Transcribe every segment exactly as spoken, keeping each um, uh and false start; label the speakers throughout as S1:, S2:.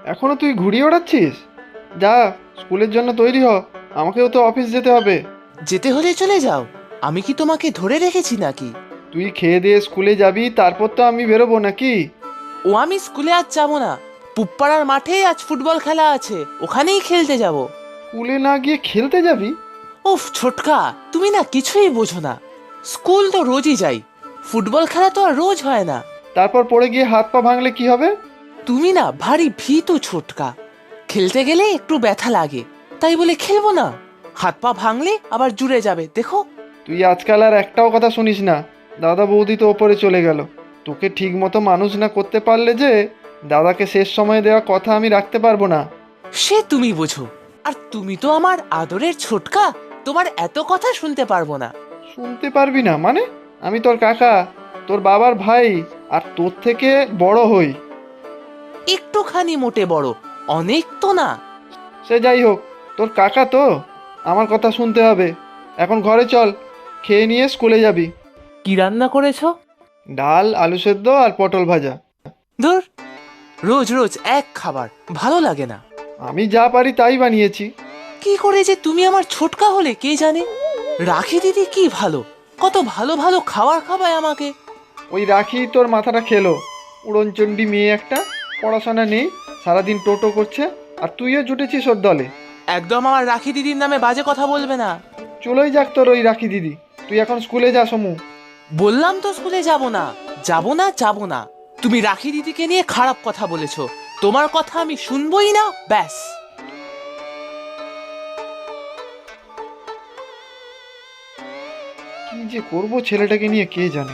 S1: এখনো তুই ঘুড়ি ওড়াচ্ছিস? যা, স্কুলের জন্য তৈরি হ, আমাকেও তো অফিস যেতে হবে।
S2: যেতে হলে চলে যাও, আমি কি তোমাকে ধরে রেখেছি নাকি?
S1: তুই খেয়ে দিয়ে স্কুলে যাবি, তারপর তো আমি বেরোবো নাকি?
S2: ও আমি স্কুলে আজ যাবো না, পুপ্পাড়ার মাঠে আজ ফুটবল খেলা আছে, ওখানেই খেলতে যাব।
S1: স্কুলে না গিয়ে খেলতে যাবি?
S2: উফ ছোটকা, তুমি না কিছুই বোঝো না। স্কুল তো রোজই যাই, ফুটবল খেলা তো আর রোজ হয় না।
S1: তারপর পড়ে গিয়ে হাত পা ভাঙলে কি হবে?
S2: তুমি না ভারী ভীতু ছোটকা, খেলতে গেলে একটু ব্যথা লাগে, তাই বলে খেলবো না? হাত পা ভাঙলে আবার জুড়ে যাবে, দেখো।
S1: তুই আজকাল আর একটাও কথা শুনিস না। দাদা বৌদি তো ওপরে চলে গেল। তোকে ঠিক মতো মানুষ না করতে পারলে যে দাদাকে শেষ সময়ে দেওয়া কথা আমি রাখতে পারবো না।
S2: সে তুমি বোঝো, আর তুমি তো আমার আদরের ছোটকা, তোমার এত কথা শুনতে পারবো না।
S1: শুনতে পারবি না মানে? আমি তোর কাকা, তোর বাবার ভাই, আর তোর থেকে বড় হই।
S2: একটুখানি মোটে বড়, অনেক তো না।
S1: সে যাই হোক, তোর কাকা তো, আমার কথা শুনতে হবে। এখন ঘরে চল, খেয়ে নিয়ে স্কুলে যাবি।
S2: কি রান্না করেছো?
S1: ডাল, আলু সেদ্ধ আর পটল ভাজা।
S2: ধুর, রোজ রোজ এক খাবার ভালো লাগে না।
S1: আমি যা পারি তাই বানিয়েছি।
S2: কি করে যে তুমি আমার ছোটকা হলে কে জানে। রাখি দিদি কি ভালো, কত ভালো ভালো খাবার খাবায় আমাকে।
S1: ওই রাখি তোর মাথাটা খেলো। উড়নচণ্ডী মেয়ে একটা, পড়াশোনা নেই, সারাদিন টোটো করছে, আর তুইও জুটেছিস ওর দলে।
S2: একদম আমার রাখি দিদির নামে বাজে কথা বলবে না।
S1: চলেই যাক তোর ওই রাখি দিদি। তুই এখন স্কুলে যা সমু।
S2: বললাম তো স্কুলে যাব না, যাব না, যাব না। তুমি রাখি দিদিকে নিয়ে খারাপ কথা বলেছো, তোমার কথা আমি শুনবই না, ব্যাস।
S1: কি যে করবো ছেলেটাকে নিয়ে কে জানে।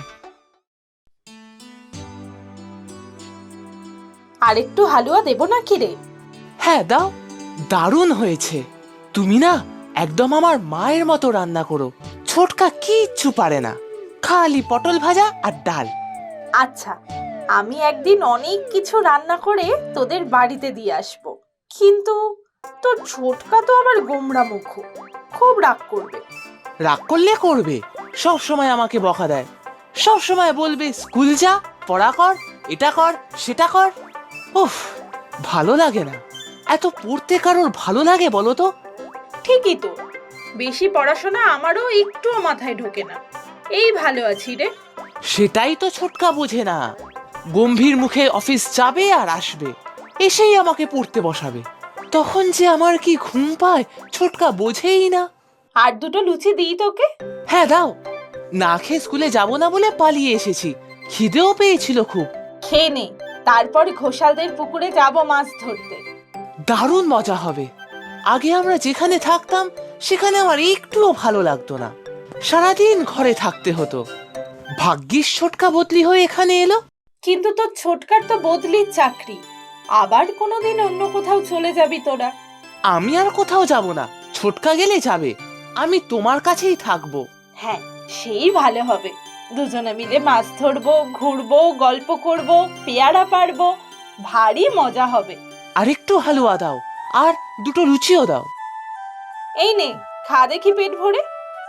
S3: আর একটু হালুয়া দেবো নাকি রে?
S2: হ্যাঁ দাও, দারুণ হয়েছে। তুমি না একদম আমার মায়ের মতো রান্না করো। ছোটকা কিচ্ছু পারে না, খালি পটল ভাজা আর ডাল।
S3: আচ্ছা, আমি একদিন অনেক কিছু রান্না করে তোদের বাড়িতে দিয়ে আসবো, কিন্তু তোর ছোটকা তো আবার গোমড়া মুখ, খুব রাগ করবে।
S2: রাগ করলে করবে, সব সময় আমাকে বকা দেয়। সব সময় বলবে স্কুল যা, পড়া কর, এটা কর, সেটা কর। উফ, ভালো লাগে না। এত পড়তে কারোর ভালো লাগে বলো তো?
S3: ঠিকই তো, বেশি পড়াশোনা আমারও একটুও মাথায় ঢোকে না, এই ভালো আছি রে।
S2: সেটাই তো ছোটকা বোঝে না। গম্ভীর মুখে অফিস যাবে আর আসবে, এসেই আমাকে পড়তে বসাবে। তখন যে আমার কি ঘুম পায় ছোটকা বোঝেই না।
S3: আর দুটো লুচি দিই তোকে?
S2: হ্যাঁ দাও, না খেয়ে স্কুলে যাব না বলে পালিয়ে এসেছি, খিদেও পেয়েছিল খুব।
S3: খেয়ে নে, তারপর ঘোষালদের পুকুরে যাব মাছ ধরতে।
S2: দারুণ মজা হবে। আগে আমরা যেখানে থাকতাম সেখানে আমার একটুও ভালো লাগতো না, সারাদিন ঘরে থাকতে হতো। ভাগ্যিস ছোটকা বদলি হয়ে এখানে এলো।
S3: কিন্তু তোর ছোটকার তো বদলির চাকরি, আবার কোনোদিন অন্য কোথাও চলে যাবি তোরা।
S2: আমি আর কোথাও যাব না, ছোটকা গেলে যাবে, আমি তোমার কাছেই থাকবো।
S3: হ্যাঁ, সেই ভালো হবে। দুজনে মিলে মাছ ধরবো, ঘুরবো, গল্প করবো, পেয়ারা পারবো, ভারী মজা হবে।
S2: আর একটু হালুয়া দাও, আর দুটো লুচিও দাও।
S3: এই নে, খা দেখি পেট ভরে।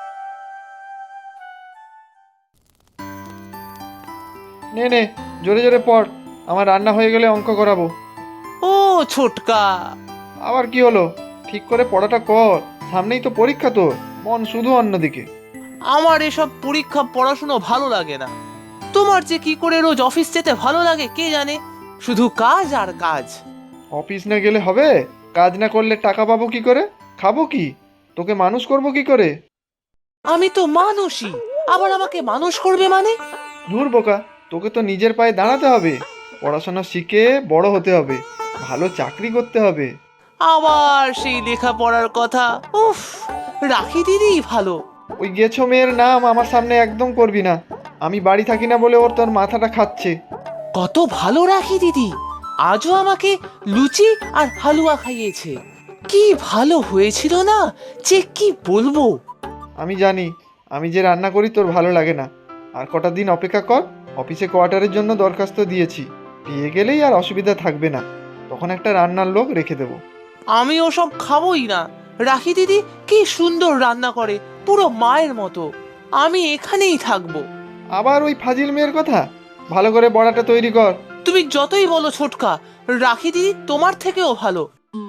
S1: নে নে, জোরে জোরে পড়, আমার রান্না হয়ে গেলে অঙ্ক করাবো।
S2: ও ছোটকা,
S1: আবার কি হলো? ঠিক করে পড়াটা কর, সামনেই তো পরীক্ষা তোর, মন শুধু অন্যদিকে।
S2: আমার এসব পরীক্ষা পড়াশুনো ভালো লাগে না। তোমার যে কি করে রোজ অফিস যেতে ভালো লাগে কে জানে, শুধু কাজ আর কাজ।
S1: অফিস না গেলে হবে? কাজ না করলে টাকা পাবো কি করে? খাবো কি? তোকে মানুষ করবো কি করে?
S2: আমি তো মানুষই, আবার আমাকে মানুষ করবে মানে?
S1: দূর বোকা, তোকে তো নিজের পায়ে দাঁড়াতে হবে, পড়াশোনা শিখে বড় হতে হবে, ভালো চাকরি করতে হবে।
S2: আবার সেই লেখাপড়ার কথা, উফ, রাখি দিদি ভালো।
S1: ওই গেছো মেয়ের নাম আমার সামনে একদম করবি না। আমি বাড়ি থাকি না বলে ওর তোর মাথাটা খাচ্ছে।
S2: কত ভালো রাখি দিদি, আজও আমাকে লুচি আর হালুয়া খাইয়েছে। কি ভালো হয়েছিল না, যে কি বলবো।
S1: আমি জানি, আমি যে রান্না করি তোর ভালো লাগে না। আর কটা দিন অপেক্ষা কর, অফিসে কোয়ার্টারের জন্য দরখাস্ত দিয়েছি, পেয়ে গেলেই আর অসুবিধা থাকবে না। তখন একটা রান্নার লোক রেখে দেবো।
S2: আমি ওসব খাবোই না। রাখি দিদি কি সুন্দর রান্না করে, পুরো মায়ের মতো। আমি এখানেই থাকবো।
S1: আবার ওই ফাজিল মেয়ের কথা? ভালো করে বড়াটা তৈরি কর।
S2: তুমি যতই বলো ছোটকা, রাখি দিদি তোমার থেকেও ভালো।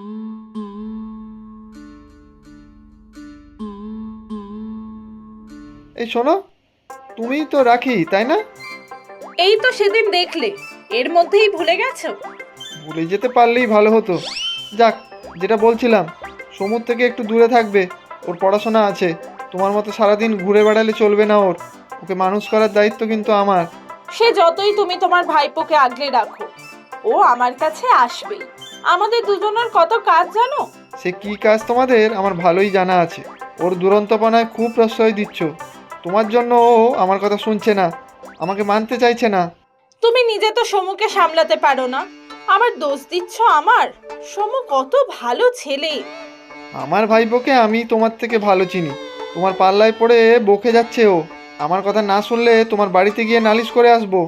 S1: এই শোনো, তুমিই তো রাখি, তাই না?
S3: এই তো সেদিন দেখলে, এর মধ্যেই ভুলে গেছো?
S1: ভুলে যেতে পারলেই ভালো হতো। যাক, যেটা বলছিলাম, সমুদ্র থেকে একটু দূরে থাকবে, ওর পড়াশোনা আছে। তোমার মতো সারাদিন ঘুরে বেড়ালে চলবে না ওর। ওকে মানুষ করার দায়িত্ব কিন্তু আমার।
S3: সে যতই তুমি তোমার ভাইপোকে আগলে রাখো, ও আমার কাছে আসবেই। আমাদের দুজনের কত কাজ জানো।
S1: সে কি কাজ তোমাদের আমার ভালোই জানা আছে। ওর দুরন্তপনায় খুব প্রশ্রয় দিচ্ছ। তোমার জন্য ও আমার কথা শুনছে না, আমাকে মানতে চাইছে না।
S3: তুমি নিজে তো সমুকে সামলাতে পারো না, আবার দোষ দিচ্ছ আমার। সমু কত ভালো ছেলে।
S1: আমার ভাইপোকে আমি তোমার থেকে ভালো চিনি। তোমার পাল্লায় পড়ে বকে যাচ্ছে ও। আমার কথা না শুনলে তোমার বাড়িতে গিয়ে নালিশ করে আসবো।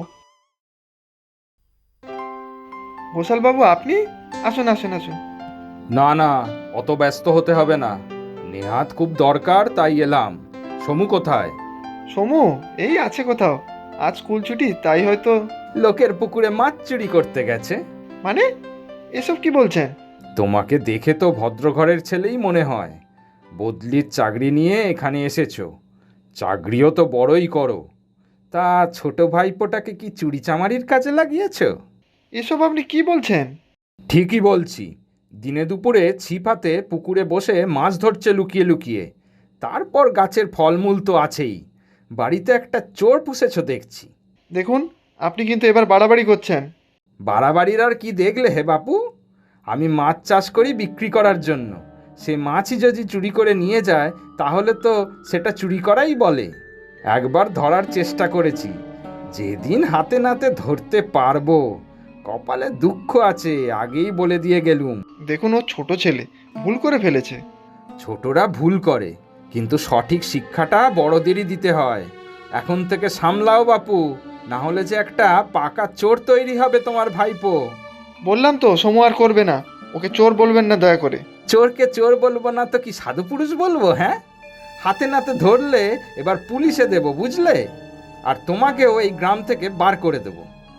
S1: ঘোষালবাবু, আপনি আসুন আসুন আসুন।
S4: না না, অত ব্যস্ত হতে হবে না। নেহাত খুব দরকার, তাই এলাম। সমু কোথায়?
S1: সমু এই আছে কোথাও। আজ স্কুল ছুটি, তাই হয়তো।
S4: লোকের পুকুরে মাছ চুরি করতে গেছে।
S1: মানে এসব কি বলছেন?
S4: তোমাকে দেখে তো ভদ্রঘরের ছেলেই মনে হয়। বদলির চাকরি নিয়ে এখানে এসেছো। চাকরিও তো বড়ই করো। তা ছোট ভাইপোটাকে কি চুরি চামারির কাজে লাগিয়েছো?
S1: এসব আপনি কি বলছেন?
S4: ঠিকই বলছি। দিনে দুপুরে ছিপ হাতে পুকুরে বসে মাছ ধরছে লুকিয়ে লুকিয়ে। তারপর গাছের ফলমূল তো আছেই। বাড়িতে একটা চোর পুষেছো দেখছি।
S1: দেখুন, আপনি কিন্তু এবার বাড়াবাড়ি করছেন।
S4: বাড়াবাড়ির আর কি দেখলে হে বাপু? আমি মাছ চাষ করি বিক্রি করার জন্য। সে মাছই যদি চুরি করে নিয়ে যায়, তাহলে তো সেটা চুরি করাই বলে। একবার ধরার চেষ্টা করেছি। যেদিন হাতে নাতে ধরতে পারবো, কপালে দুঃখ আছে, আগেই বলে দিয়ে গেলুম।
S1: দেখুন, ও ছোট ছেলে, ভুল করে ফেলেছে।
S4: ছোটরা ভুল করে, কিন্তু সঠিক শিক্ষাটা বড়দেরই দিতে হয়। এখন থেকে সামলাও বাপু, না হলে যে একটা পাকা চোর তৈরি হবে তোমার ভাইপো।
S1: বললাম তো, সমু আর করবে না। ওকে চোর বলবেন না দয়া করে।
S4: চোরকে চোর বলবো না তো কি সাধু পুরুষ বলবো? হ্যাঁ, হাতে নাতে ধরলে এবার পুলিশে দেব, বুঝলে? আর তোমাকেও এই গ্রাম থেকে বার করে দেব।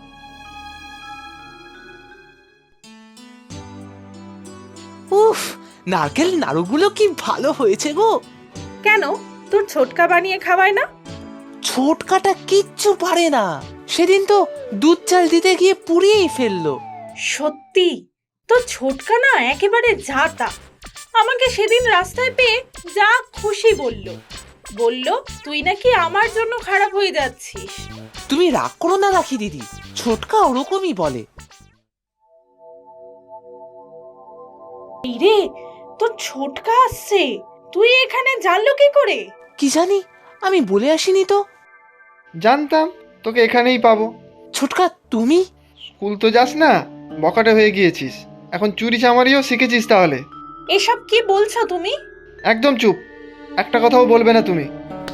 S2: উফ, নারকেল নাড়ুগুলো কি ভালো হয়েছে গো।
S3: কেন, তোর ছোটকা বানিয়ে খাওয়ায় না?
S2: ছোটকাটা কিচ্ছু পারে না। সেদিন তো দুধ চাল দিতে গিয়ে পুড়িয়েই ফেললো।
S3: সত্যি, তোর ছোটকা না একেবারে ঝাঁটা। আমাকে সেদিন রাস্তায় পেয়ে যা খুশি বলল। বলল তুই নাকি আমার জন্য খারাপ হয়ে যাচ্ছিস।
S2: তুমি রাগ করো না রাখি দিদি, ছোটকা ওরকমই বলে।
S3: এই রে, তোর ছোটকা আসছে। তুই এখানে জানলো কি করে?
S2: কি জানি, আমি বলে আসিনি তো।
S1: জানতাম তোকে এখানেই পাবো।
S2: ছোটকা তুমি?
S1: স্কুল তো যাস না, বকাটে হয়ে গিয়েছিস। এখন চুরি চামারিও শিখেছিস তাহলে?
S3: এসব কি বলছো তুমি?
S1: একদম চুপ, একটা কথাও বলবে না তুমি।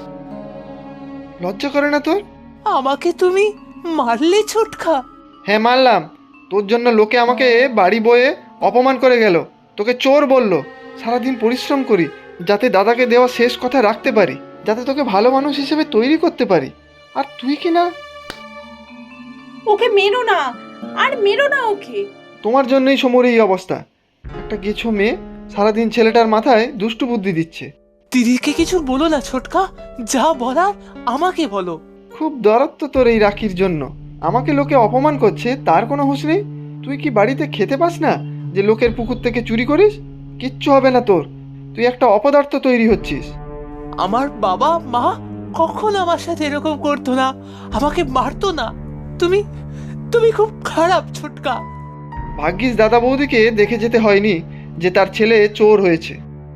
S1: লজ্জা করে না তোর?
S2: আমাকে তুমি মারলে ছোটকা?
S1: হ্যাঁ মারলাম। তোর জন্য লোকে আমাকে বাড়ি বয়ে অপমান করে গেল, তোকে চোর বলল। সারাদিন পরিশ্রম করি যাতে দাদাকে দেওয়া শেষ কথা রাখতে পারি, যাতে তোকে ভালো মানুষ হিসেবে তৈরি করতে পারি। আর তুই কি না?
S3: ওকে মেরো না, আর মেরো না ওকে।
S1: তোমার জন্যই সমর এই অবস্থা। একটা গেছো মেয়ে সারাদিন ছেলেটার মাথায় দুষ্টু বুদ্ধি দিচ্ছে।
S2: দিদিকে কিছু বলো না ছোটকা, যা বলার আমাকে বলো।
S1: খুব দরদ তোর এই রাখির জন্য। আমাকে লোকে অপমান করছে, তার কোনো হুঁশ নেই। তুই কি বাড়িতে খেতে পাস না যে লোকের পুকুর থেকে চুরি করিস? কিচ্ছু হবে না তোর। তুই একটা অপদার্থ তৈরি হচ্ছিস।
S2: আমার বাবা মা কখন আমার সাথে এরকম করতো না, আমাকে মারতো না। তুমি তুমি খুব খারাপ ছোটকা।
S1: ভাগ্যিস দাদা বৌদিকে দেখে যেতে হয়নি যে তার ছেলে চোর হয়েছে।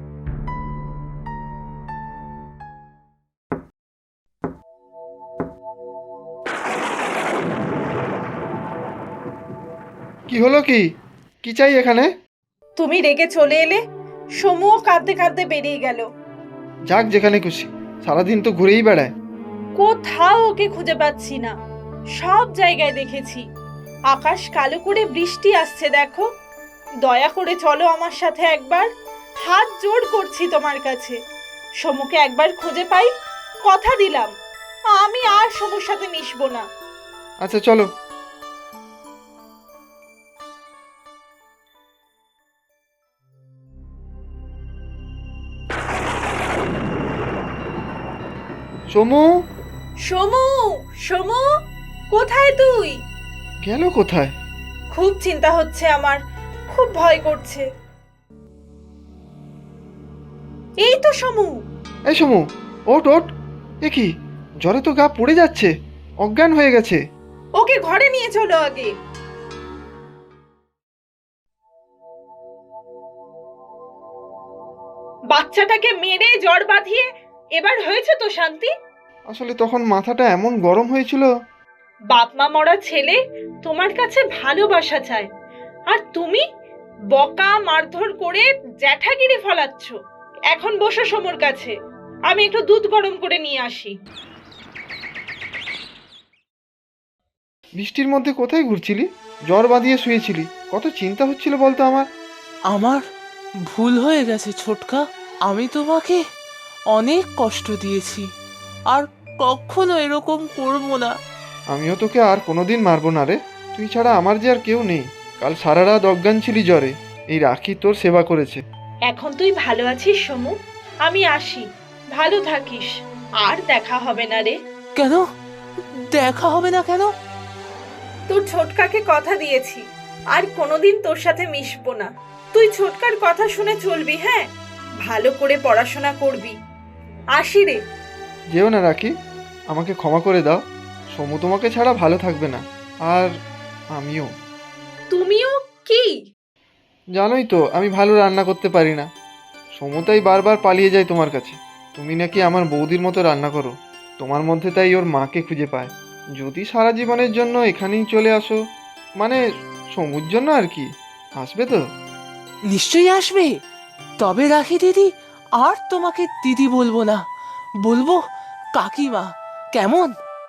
S1: কি হলো? কি কি চাই এখানে?
S3: তুমি রেগে চলে এলে, সমুও কাঁদতে কাঁদতে বেরিয়ে গেল।
S1: যাক যেখানে খুশি, সারাদিন তো ঘুরেই বেড়ায়।
S3: কোথাও ওকে খুঁজে পাচ্ছি না। সব জায়গায় দেখেছি। আকাশ কালো করে বৃষ্টি আসছে দেখো। দয়া করে চলো আমার সাথে একবার। হাত জোড় করছি তোমার কাছে। সমুকে একবার খুঁজে পাই, কথা দিলাম আমি আর সমুর সাথে মিশবো না।
S1: আচ্ছা চলো। সমু,
S3: সমু, সমু, কোথায় তুই?
S1: গেল কোথায়?
S3: খুব চিন্তা হচ্ছে আমার, খুব ভয় করছে। এই তো সমু।
S1: এই সমু, ওঠ ওঠ। এ কি, জ্বরে তো গা পড়ে যাচ্ছে, অজ্ঞান হয়ে গেছে।
S3: ওকে ঘরে নিয়ে চলো আগে। বাচ্চাটাকে মেরে জ্বর বাঁধিয়ে এবার হয়েছে তো শান্তি?
S1: আসলে তখন মাথাটা এমন গরম হয়েছিল।
S3: বাপ মা মরা ছেলে তোমার কাছে ভালোবাসা চায়, আর তুমি বকা মারধর করে জ্যাঠাগিরি ফলাচ্ছ। এখন বসো সমুর কাছে, আমি একটু দুধ গরম করে নিয়ে আসি।
S1: বৃষ্টির মধ্যে কোথায় ঘুরছিলি? জ্বর বাঁধিয়ে শুয়েছিলি, কত চিন্তা হচ্ছিল বলতো আমার।
S2: আমার ভুল হয়ে গেছে ছোটকা। আমি তোমাকে অনেক কষ্ট দিয়েছি, আর কখনো এরকম করব না।
S1: আমিও তোকে আর কোনোদিন মারবো না রে। তুই ছাড়া আমার যে আর কেউ নেই। কাল সারা রাত অজ্ঞান ছিলি জ্বরে, এই রাখি তোর সেবা করেছে।
S3: এখন তুই ভালো আছিস সমু? আমি আসি, ভালো থাকিস। আর দেখা হবে না রে।
S2: কেন দেখা হবে না কেন?
S3: তোর ছোটকাকে কথা দিয়েছি, আর কোনোদিন তোর সাথে মিশবো না। তুই ছোটকার কথা শুনে চলবি, হ্যাঁ? ভালো করে পড়াশোনা করবি। আসি রে।
S1: যেও না রাখি, আমাকে ক্ষমা করে দাও। সমু তোমাকে ছাড়া ভালো থাকবে না, আর আমিও।
S3: তুমিও কি?
S1: জানোই তো আমি ভালো রান্না করতে পারি না। সমতাই বারবার পালিয়ে যায় তোমার কাছে। তুমি নাকি আমার বৌদির মতো রান্না করো, তোমার মধ্যে তাই ওর মাকে খুঁজে পায়। যদি সারা জীবনের জন্য এখানেই চলে আসো, মানে সমুর জন্য আর কি, আসবে তো?
S2: নিশ্চয়ই আসবে। তবে রাখি দিদি, আর তোমাকে দিদি বলবো না, বলবো কাকিমা, কেমন?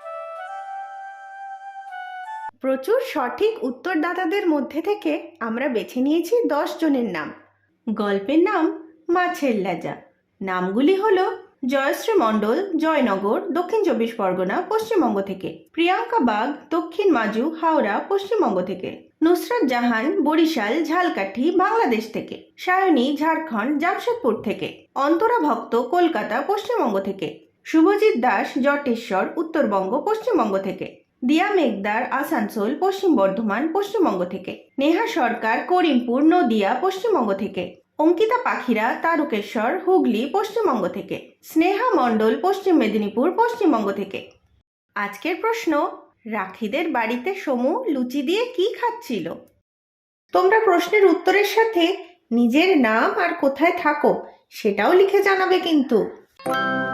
S5: প্রচুর সঠিক উত্তরদাতাদের মধ্যে থেকে আমরা বেছে নিয়েছি দশ জনের নাম। গল্পের নাম মাছের লেজা। নামগুলি হলো জয়শ্রী মণ্ডল, জয়নগর, দক্ষিণ চব্বিশ পরগনা, পশ্চিমবঙ্গ থেকে। প্রিয়াঙ্কা বাগ, দক্ষিণ মাজু, হাওড়া, পশ্চিমবঙ্গ থেকে। নুসরাত জাহান, বরিশাল, ঝালকাঠি, বাংলাদেশ থেকে। সায়নী, ঝাড়খণ্ড, জামশেদপুর থেকে। অন্তরা ভক্ত, কলকাতা, পশ্চিমবঙ্গ থেকে। শুভজিৎ দাস, জটেশ্বর, উত্তরবঙ্গ, পশ্চিমবঙ্গ থেকে। দিয়া মেঘদার, আসানসোল, পশ্চিম বর্ধমান, পশ্চিমবঙ্গ থেকে। নেহা সরকার, করিমপুর, নদিয়া, পশ্চিমবঙ্গ থেকে। অঙ্কিতা পাখিরা, তারকেশ্বর, হুগলি, পশ্চিমবঙ্গ থেকে। স্নেহা মণ্ডল, পশ্চিম মেদিনীপুর, পশ্চিমবঙ্গ থেকে। আজকের প্রশ্ন, রাখিদের বাড়িতে সমু লুচি দিয়ে কি খাচ্ছিল? তোমরা প্রশ্নের উত্তরের সাথে নিজের নাম আর কোথায় থাকো সেটাও লিখে জানাবে কিন্তু।